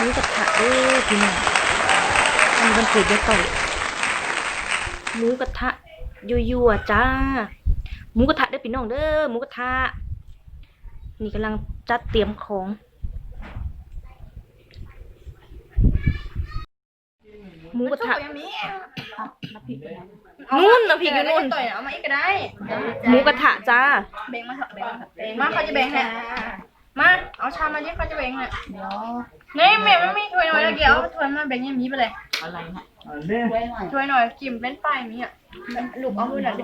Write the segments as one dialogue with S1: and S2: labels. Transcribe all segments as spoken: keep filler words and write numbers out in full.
S1: มูกระทะเด้อพี่น้องอันนี้วันเกิดยายต่อยหมูกระทะยั่วๆจ้าหมูกระทะเด้อพี่น้องเด้อหมูกระทะนี่กำลังจัดเตรียมของหมูกระทะนู่นน้ำพริกอยู่นู่น
S2: ต่อยเอามาอีกก็ได้
S1: หมูกระทะจ้า
S2: แบ่งมาเถอะแบ่งมาเถอะมาเขาจะแบ่งให้มาเอาชามมาดิเขาจะแบ่งให้เดี๋ยวนี่แม่ไม่มีถ้วยหน่อยแล้วเกี่ยวถ้วยมาแบ่งยังมีไปเลยอะไรฮะถ้วยหน่อยกิมเป็นป้ายมีอ่ะลูกเอามือหน่อยดิ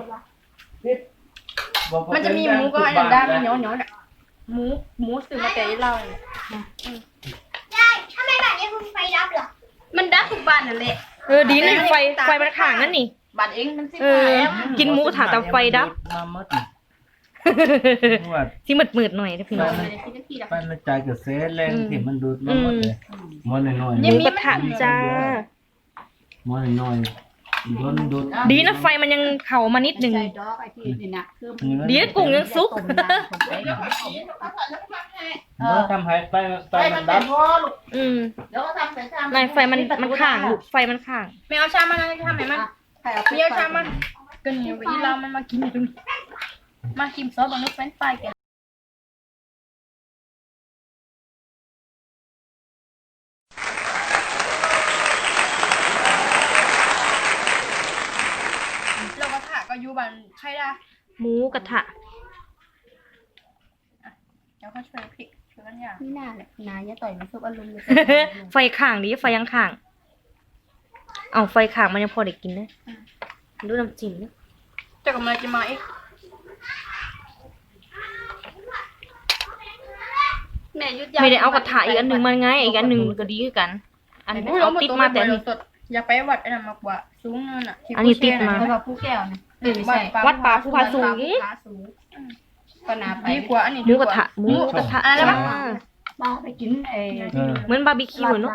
S2: มันจะมีหมูก็อันนั้นได้มันเหนียวเหนียวเนี่ยหมูหมูสื่อมาแต่เราเนี่ยได้ถ้าไม่แบบนี้คุณไฟดับเหรอมันดับทุกบ้านนั่นแหละ
S1: เออดีนี่ไฟไฟมันข่างนั่นนี่
S2: บ้านเองมันสิ
S1: เออกินหมูกระทะแต่ไฟดับที่มืดมืดหน่อยนะพี่น้อง
S3: ไปมันใจกับเซแรงที่มันดูดมาหมดเลยมอนน้อย
S1: หมูกระทะจ้าม
S3: อนน้อยโดนดูด
S1: ดีนะไฟมันยังเข่ามานิดหนึ่งดีนะกุ้งยังซุก
S3: เมื่อทำให้ไฟไฟมันดับ
S1: อืมนายไฟมันมันข่างลูกไฟมันข่าง
S2: ไม่เอาชามมานะทำไหนมันมีเอาชามมาก็นี่วีเรามันมากินอยู่ตรงนี้มากินซอสบางลูกเป็นไฟกันเรากระถาก็อยู่บ้านใช่ได้
S1: หมูกระทะ
S2: เดี๋ยวเขาช่วยพริกช่วยกันอย่าง
S4: นี่น่าแหละนายจะต่อยมันซุปอารมณ์เลย
S1: ไฟข่างดีไฟยังข่างเอาไฟข่างมันยังพอได้กินนะดูน้ำจิ้มนะ
S2: จะกำลังจะมาอีก
S4: แม่ยุด
S1: ไม่ได้เอากระทะอีกอันหนึ่งมันไงอีกอันหนึ่งก็ดีคือกัน อันนี้เอาติดมาแต่อันนี้
S2: สดอยากไปวัดไอ้นั่นมากกว่าสูงเนินอ่ะ
S1: อันนี้ติดมา
S4: เพราะว่าผู้แก้วนะเออไม่ใช่
S1: วัดป่าภูผาสูง
S4: ก็นาไป
S2: ดีกว่าอันนี้
S1: หมูกระทะหมูกระทะจ้า
S4: บ้าไปกินเอ
S1: เหมือนบาร์บีคิวเนาะ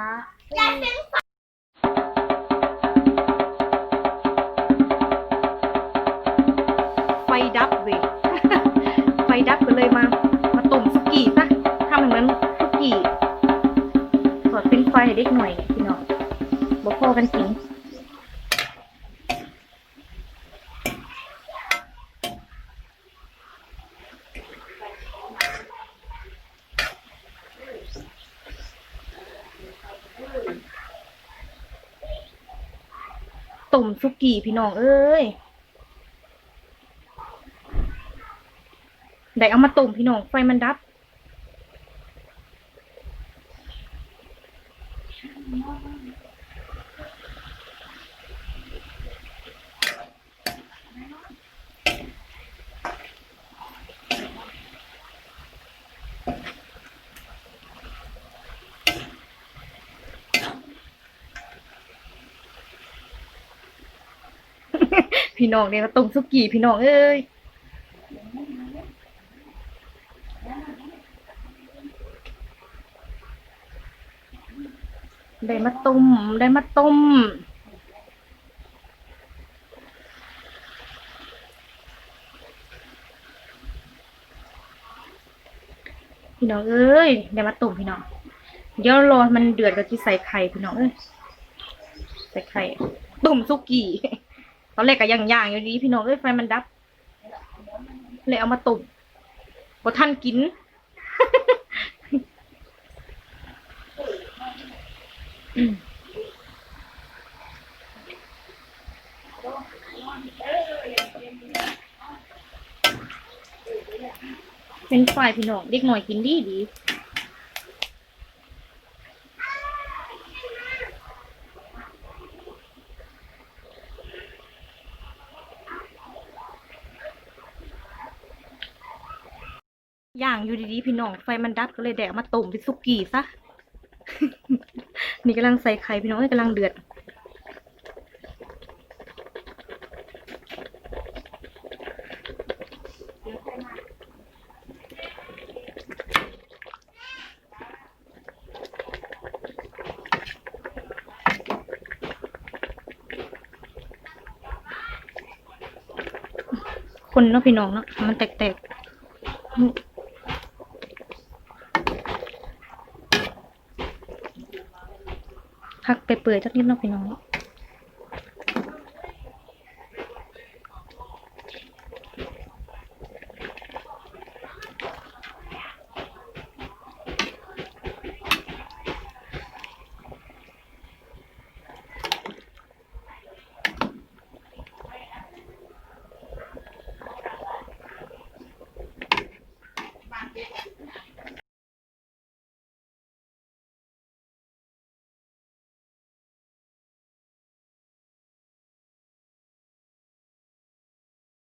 S1: ไฟดับเว้ย ไฟดับก็เลยมา มาต้มสุกี้ซะทำเหมือนสุกี้สอดเป็นไฟให้เด็กหน่อยเนี่ยพี่น้องบ่พอกันจริงต้มสุกี้พี่น้องเอ้ยได้เอามาต้มพี่น้องไฟมันดับพี่น้องเนี่ยมาต้มสุกี้พี่น้องเอ้ยได้มาต้มได้มาต้มพี่น้องเอ้ยได้มาต้มพี่น้องเดี๋ยวรอมันเดือดก็จะใส่ไข่พี่น้องเอ้ยใส่ไข่ต้มสุกี้ตอนแรกก็ย่างๆอยู่ดีพี่น้องเอ้ยไฟมันดับเลยเอามาต้มพอท่านกิน เป็นฝ่ายพี่น้องเด็กหน่อยกินดีดีย่างอยู่ดีๆพี่น้องไฟมันดับก็เลยแดกมาต้มเป็นสุกี้ซะ นี่กำลังใส่ไข่พี่น้องกำลังเดือดคนเนาะพี่น้องเนาะมันแตกๆ พพักไปเปื่อยจักนิดเนาะพี่น้อง